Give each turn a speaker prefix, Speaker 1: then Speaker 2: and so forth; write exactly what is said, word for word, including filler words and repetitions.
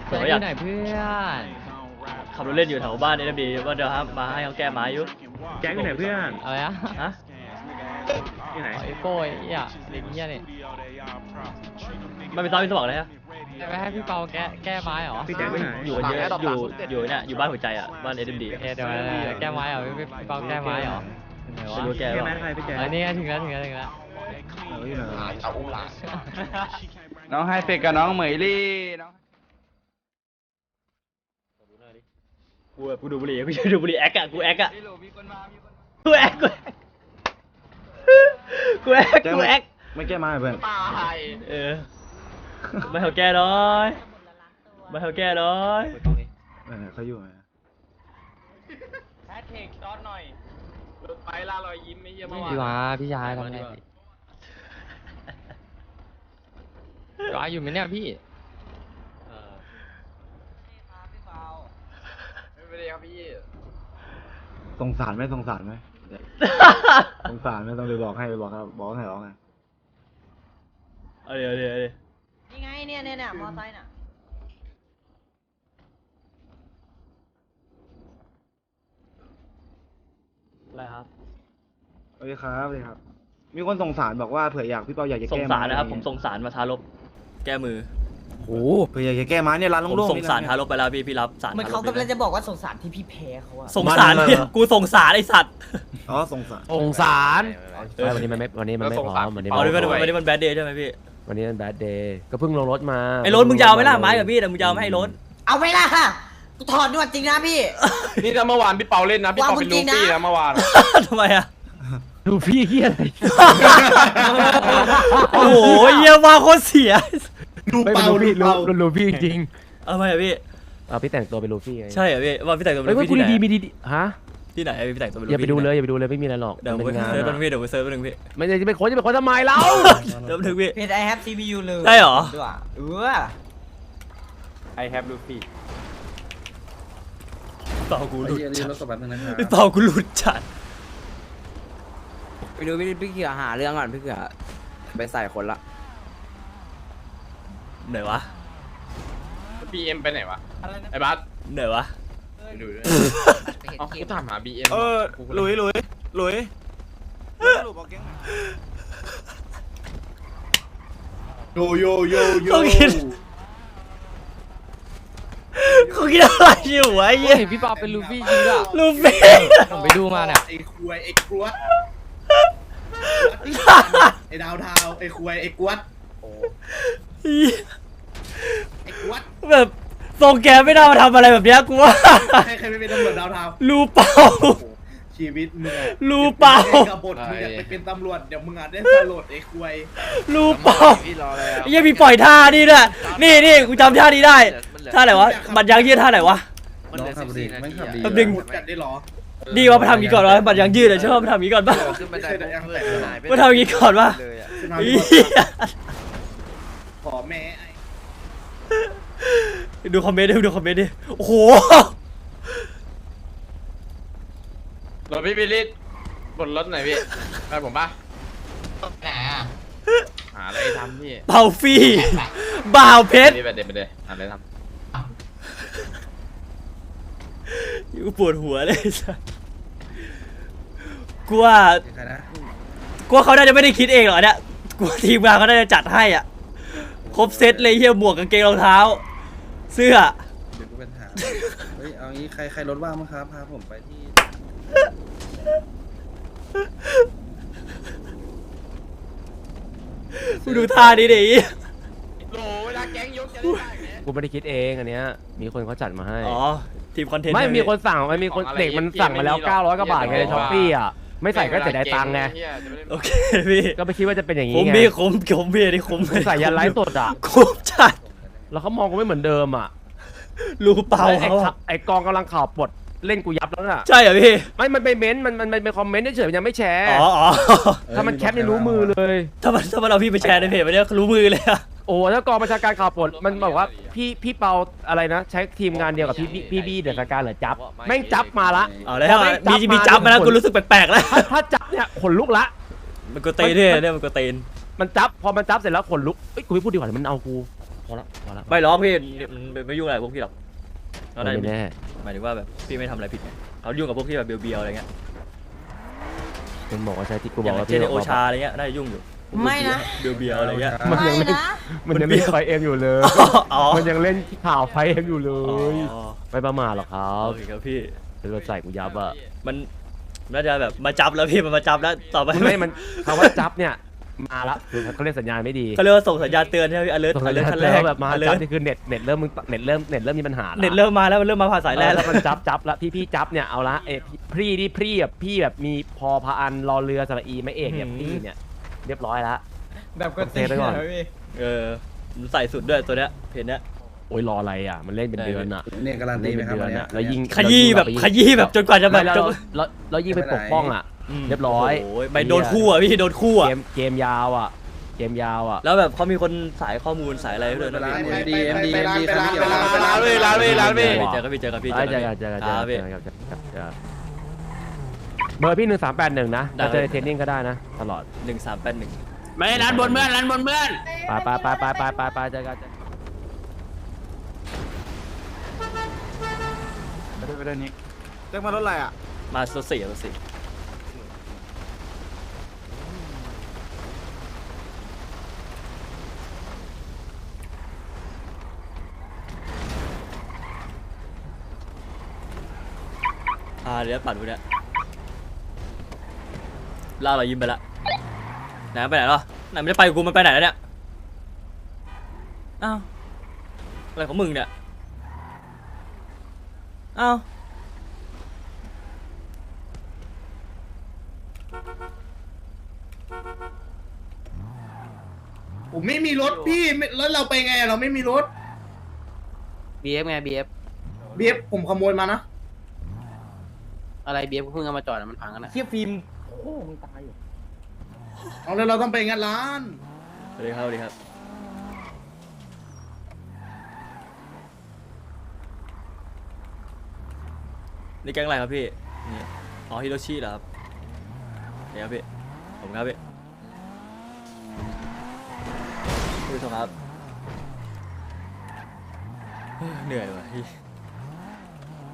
Speaker 1: ผมก็อยากไหนเพื่อนขับรถเล่นอยู่แถวบ้านเอ็มดีว่าเดี๋ยวครับมาให้เขาแก้ไม้อยู่
Speaker 2: แก๊งอยู่ไหนเพื่อน
Speaker 1: อะไรอะฮะ
Speaker 2: ที่ไหน
Speaker 1: ไอ้โป้ยอ่ะเด็กเงี้ยนี่มันเป็นซ้อมเป็นสมองเลยฮะจะไปให้พี่เปาแก้แก้ไม้เหรอ
Speaker 2: พี่แจ็คไปไหน
Speaker 1: อยู่เยอะอยู่อยู่เนี่ยอยู่บ้านหัวใจอ่ะบ้านเอ็มดีเดี๋ยวแก้ไม้เหรอพี่เปาแก้ไม้เหรอไม่รู้แก้ไม้ใครพี่แจ็คอันนี้ถึงแล้วถึงแล้วถึงแล้ว
Speaker 3: เอาอุ้มหลานน้องไฮเฟกกับน้องเหมยลี่น้อง
Speaker 1: กูกูดูบุหรี่กูจะดูบุหรี่แอคอะกูแอคอะกูแอคกูกูแอคกูแอค
Speaker 2: ไม่แก้มาเพื่อน
Speaker 1: เออไม่เขาแก้น้อยไม่เขาแก้น้อย
Speaker 2: เออเขาอยู่ไหม
Speaker 3: แฮชแท็กตอนหน่อยรถไฟล่ารอยยิ้มไม่เยี่ยม
Speaker 1: พี่วาพี่ชายทำไงวาอยู่ไหมเนี่ยพี่
Speaker 3: ไม่ได้ครับพี่
Speaker 2: สงสารไหมสงสารไหมสงสารไหมต้องไปบอกให้ไปบอกครับบอกให้ร้องไง
Speaker 1: เอาเดี๋ยวเดี๋ยวเดี๋ยว
Speaker 4: นี่ไงเนี่ยเนี่ยเนี่ยมอไซค์น่ะ
Speaker 1: อะไรครับ
Speaker 2: สวัสดีครับสวัสดีครับมีคนสงสารบอกว่าเผื่ออยากพี่เปาอยากจะแก้
Speaker 1: สงสารนะครับผมสงสารมาทารบแก้มือ
Speaker 2: โอ้เผื่ออยากจะแก้ไม้เนี่ยร้านโล่งๆ
Speaker 1: ผมสงสารทารบไปแล้วพี่พี่รับสาร
Speaker 4: เหมือนเขากำลังจะบอกว่าสงสารที่พี่แพ้เขาอะ
Speaker 1: สงสารเนี่ยกูสงสารไอสัตว์
Speaker 2: อ๋อสงสาร
Speaker 5: สงสารวันนี้มันไม่วันนี้มันไม่พร้อมวันนี้
Speaker 1: อ๋อวันนี้วันนี้มันแบดเดย์ใช่ไหมพี่
Speaker 5: วันนี้มันแบดเดย์ก็เพิ่งลงรถมา
Speaker 1: ไอ้รถมึงยาวไหมล่ะไม้กับพี่แต่มึงยาวไม่ให้รถ
Speaker 4: เอาไปละค่ะกูถอดนวดจริงนะพี่
Speaker 3: นี่ถ้าเมื่อวานพี่เปาเล่นนะพี่เปาเป็นลูฟี่นะเมื่อวาน
Speaker 1: ทำไมอะ
Speaker 5: ลูฟี่เฮียอะไร
Speaker 1: โอ้โหเยี่ยมมากโคตรเสีย
Speaker 5: ดูเปาดูเปาลูฟี่จริง
Speaker 1: เอาไปอะพี่
Speaker 5: เอาพี่แต่งตัวเป็นลูฟี่ไง
Speaker 1: ใช่เหรอพี่ว่าพี่แต่งตัวเป็นลูฟี่
Speaker 5: ที่ไหนดีมีดีฮะ
Speaker 1: ที่ไหนพี่แต่งตัวเป็นลูฟี่
Speaker 5: อย่าไปดูเลยอย่าไปดูเลยไม่มีอะไรหรอก
Speaker 1: เดี๋ยวไปเซิร์ฟเป็นพี่เดี๋ยวไปเซิร์ฟเป็นพี่
Speaker 5: ไม่ได้จะไปค้นจะไปค้นทำไมเรา
Speaker 1: เดี๋ยวถึงพี่
Speaker 4: เพจ I have ซี พี ยู เลย
Speaker 1: ใช่เหรอ
Speaker 4: เออ
Speaker 3: I have Luffy
Speaker 1: เป่ากูหลุดจัดพี่เป่ากูหลุดจัด
Speaker 6: ไปดูพี่พี่เขือหาเรื่องก่อนพี่เขือไปใส่คนละ
Speaker 1: ไหนวะ
Speaker 3: บีเอ็มไปไหนวะไอ้บัส
Speaker 1: ไหนวะ
Speaker 3: ดูด้วยเอากูถามหาบีเอ็ม
Speaker 2: เออหลุยหลุยหลุยหลุยบอกแก๊งโยโยโยโย
Speaker 1: เขาคิดเขาคิดอะไรอยู่วะเยี่ย
Speaker 5: พี่เปาเป็นลูฟี่จริงอ่ะ
Speaker 1: ลูฟี่
Speaker 5: ผมไปดูมาเนี่ย
Speaker 7: ไอ้ควยไอ้กรวดไอ้ดาวเทาไอ้ควยไอ้กวดไอ้กวด
Speaker 1: แบบทรงแกไม่น่ามาทำอะไรแบบนี้กูว่า
Speaker 7: ใครใครไม่เป็นตำรวจดาวเทา
Speaker 1: ลูเปา
Speaker 7: ชีวิตมึง
Speaker 1: ลูเปา
Speaker 7: กบฏมึงอยากไปเป็นตำรวจเดี๋ยวมึงอาจได้สลดไอ้ควย
Speaker 1: ลูเปายังมีปล่อยท่านี่ด้วยนี่นี่กูจำท่านี้ได้ท่าไหนวะบัตรยางยืดท่าไหนวะ
Speaker 7: มันขับดีมันขับดี
Speaker 1: ดึง
Speaker 7: จัดได้หรอ
Speaker 1: ดีว่ามาทำงี้ก่อนวะบัตรยางยืดเลยชอบมาทำงี้ก่อนป่ะมาทำงี้ก่อนป่ะ
Speaker 7: ขอแม่
Speaker 1: ดูคอมเมนต์ดิดูคอมเมนต์ดิโอ้โห
Speaker 3: รถพี่บิลลี่บนรถไหนพี่ไปผมป่ะ
Speaker 4: ไหนอ่ะ
Speaker 3: หาอะไรทำพี่
Speaker 1: เบาฟี่บ่าวเพชร
Speaker 3: ไปเด็ดไปเด็ดหาอะไรทำ
Speaker 1: กูปวดหัวเลยสัสกูว่ากูว่าเขาน่าจะไม่ได้คิดเองหรอกเนี่ยกูทีมงานเขาน่าจะจัดให้อ่ะครบเซตเลยเฮียหมวกกางเกงรองเท้าเสื้อ
Speaker 7: เดี๋ยวกูเป็นถามเฮ้ยเอางี้ใครใครรถว่างมั้งครับพาผมไปที่
Speaker 1: กูดูท่านี้ดิ
Speaker 3: โหเวลาแก๊งยกจะได้
Speaker 5: กูไม่ได้คิดเองอันเนี้ยมีคนเขาจัดมาให้
Speaker 1: อ๋อทีมคอนเทนต์
Speaker 5: ไม่มีคนสั่งไม่มีคนเด็กมันสั่งมาแล้วเก้าร้อยกว่าบาทไงในช้อปปี้อ่ะไม่ใส่ก็เสียดายตังค์ไง
Speaker 1: โอเคพี่
Speaker 5: ก็ไม่คิดว่าจะเป็นอย่างนี้
Speaker 1: ไงคุ้มพี่คุ้มคุ้มพี่นี่คุ้ม
Speaker 5: ใส่ยันไลฟ์สดอ่ะ
Speaker 1: คุ้มจัด
Speaker 5: แล้วเขามองกูไม่เหมือนเดิมอ่ะ
Speaker 1: รูเปล่าเขา
Speaker 5: ไอกองกำลังข่าวปลดเล่นกูยับแล้วน่ะ
Speaker 1: ใช่เหรอพี่
Speaker 5: ไม่มันไปเม้นมันมันมันเป็นคอมเมนต์เฉยๆยังไม่แชร์
Speaker 1: อ๋อ
Speaker 5: ถ้ามันแคปนี่รู้มือเลย
Speaker 1: ถ้ามันถ้ามันเอาพี่ไปแชร์ในเพจมันเนี่ยรู้มือเลยอะ
Speaker 5: โอ้ถ้ากองประชาการข่าวปลดมันบอกว่าพี่พี่เปาอะไรนะใช้ทีมงานเดียวกับพี่พี่บี้เดือดการเหรอจับแม่งจับมาละ
Speaker 1: เอาแล้วมีมีจับมาแล้วกูรู้สึกแปลกๆแล้ว
Speaker 5: ถ้าจับเนี่ยขนลุกละ
Speaker 1: มันก็เตนเนี่ยมันก็เตน
Speaker 5: มันจับพอมันจับเสร็จแล้วขนลุกเอ้ยกูไม่พูดดีกว่ามันเอากูพอละพอละ
Speaker 1: ไม่ร้องพี่มันไม่ยุ่งอะไรพวกพี่หรอกเขาได้
Speaker 5: ไม่แน่
Speaker 1: หมายถึงว่าแบบพี่ไม่ทำอะไรผิดไงเขายุ่งกับพวกที่แบบเบียวๆอะไรเงี้ย
Speaker 5: เป็นบอกว่าใช่ที่กู
Speaker 1: อบ
Speaker 5: อย่าง กว่า
Speaker 1: เช่
Speaker 5: พี่
Speaker 1: นโอชาอะไรเงี้ยน่าจะยุ่งอยู่
Speaker 4: ไม่นะ
Speaker 1: เบียวๆอะไรเงี้ย
Speaker 5: มันยังเล่นมันยังเล่นไฟเอ็มอยู่เลย
Speaker 1: อ๋อ
Speaker 5: มันยังเล่นข่าวไฟเอ็มอยู่เล
Speaker 1: อ๋อย
Speaker 5: ไม่ประมาทหรอกครับ
Speaker 1: โอเคครับพี่
Speaker 5: เป็นรถใส่กูยับอะ
Speaker 1: มันน่าจะแบบมาจับแล้วพี่มันมาจับแล้วต่อไป
Speaker 5: ไม่มันคำว่าจับเนี่ยมาละคือเขาเรียกสัญญาณไม่ดี
Speaker 1: เขาเรียกว่าส่งสัญญาณเตือนใช่ไหมพี่ alert
Speaker 5: ส่งสัญ
Speaker 1: alert
Speaker 5: ญาณ
Speaker 1: ขั้น
Speaker 5: เตื
Speaker 1: แร
Speaker 5: อก นแบบมาจับ
Speaker 1: alert
Speaker 5: นี่คือเน็ตเน็ตเริ่มมึงเน็ตเริ่มเน็ตเริ่มมีปัญหาละ
Speaker 1: เน็ตเริ่มมาแล้วมันเริ่มมาผ่านสายแรก
Speaker 5: แล้
Speaker 1: แล้ว ว
Speaker 5: มันจับจับแล้วพี่พี่จับเนี่ยเอาละเอ้พี่ที่พี่แบบพี่แบบมีพอพาอันรอเรือสระอีไม่เอกเนี่ย
Speaker 1: อืม
Speaker 5: พี่เนี่ยเรียบร้อยละ
Speaker 4: แบบกด
Speaker 5: เซฟไปก่อน
Speaker 1: เออมันใส่สุดด้วยตัวเนี้ยเพจเนี้ย
Speaker 5: โอ้ยรออะไรอ่ะมันเล่นเป็นเดือนอ่ะ
Speaker 7: เนี่ยการันตีไหมครับ
Speaker 5: เล่นเป็นเดือน
Speaker 7: วันเนี้
Speaker 5: อ่ะแล้วยิ่ง
Speaker 1: ขยี้แบบขยี้แบบจนกว่าจะแบ
Speaker 5: ไม่
Speaker 1: บ
Speaker 5: แล้ว
Speaker 1: จน
Speaker 5: แล้วแล้วยิ่งไปปกป้องอ่ะ
Speaker 1: ม
Speaker 5: เรียบร้อย
Speaker 1: โอ้ยไปโดนคู่อ่ะพี่โดนคู่อ่ะ
Speaker 5: เกมเกมยาวอ่ะเกมยาวอ่ะ
Speaker 1: แล้วแบบเขามีคนสายข้อมูลสายอะไรด้วยนะพี่
Speaker 7: เอ็มดีเอ็มดีเอ็มดีครับ
Speaker 3: ไปร้านเว้ยร้านเว้ยร้านเว้ย
Speaker 1: เจอกันพี่เจอกันพี่
Speaker 5: เจอกันเจอกันเจอ
Speaker 1: ค
Speaker 5: กั
Speaker 1: รั
Speaker 5: น
Speaker 1: บ
Speaker 5: เจ
Speaker 1: พี่
Speaker 5: อกันเจอกันเจอกันเบอร์พี่หนึ่งสามแปดหนึ่งนะ
Speaker 1: ได้
Speaker 5: จะเจอในเทรนนิ่งก็ได้นะตลอด
Speaker 1: หนึ่งสามแปดหนึ่ง
Speaker 3: ไม่ร้านบนเพื่อนร้านบนเพื่อน
Speaker 5: ไปไปไปไปไปไปไปเจอกันเจอกัน
Speaker 2: ไปด้วยไปด้วยนิกแจ็คมารถอะไรอ่ะ
Speaker 1: มาสสี่สสี่อ่าเดี๋ยวปัดดูเนี่ยล่าเรายิ้มไปละไหนมันไปไหนหรอไหนไม่ได้ไปกับกูมันไปไหนแล้วเนี่ยอ้าวอะไรของมึงเนี่ยอ้าว
Speaker 8: ผมไม่มีรถพี่ไม่แล้วเราไปไงอะเราไม่มีรถ
Speaker 6: บีเอฟไงบีเอฟ
Speaker 8: เบียบผมขโมยมานะ
Speaker 6: อะไรบีเอฟเพิ่งเอามาจอดอะมันพังกันนะ
Speaker 4: เทียบฟิล์ม
Speaker 8: เอาแล้วเราต้องไปงัดร้าน
Speaker 1: สวัสดีครับสวัสดีครับนี่แก๊งอะไรครับพี่นี่อ๋อฮิโรชิเหรอครับนี่ครับพี่ผมครับพี่ผู้ชมครับเฮ้ยเหนื่อยว่ะพี่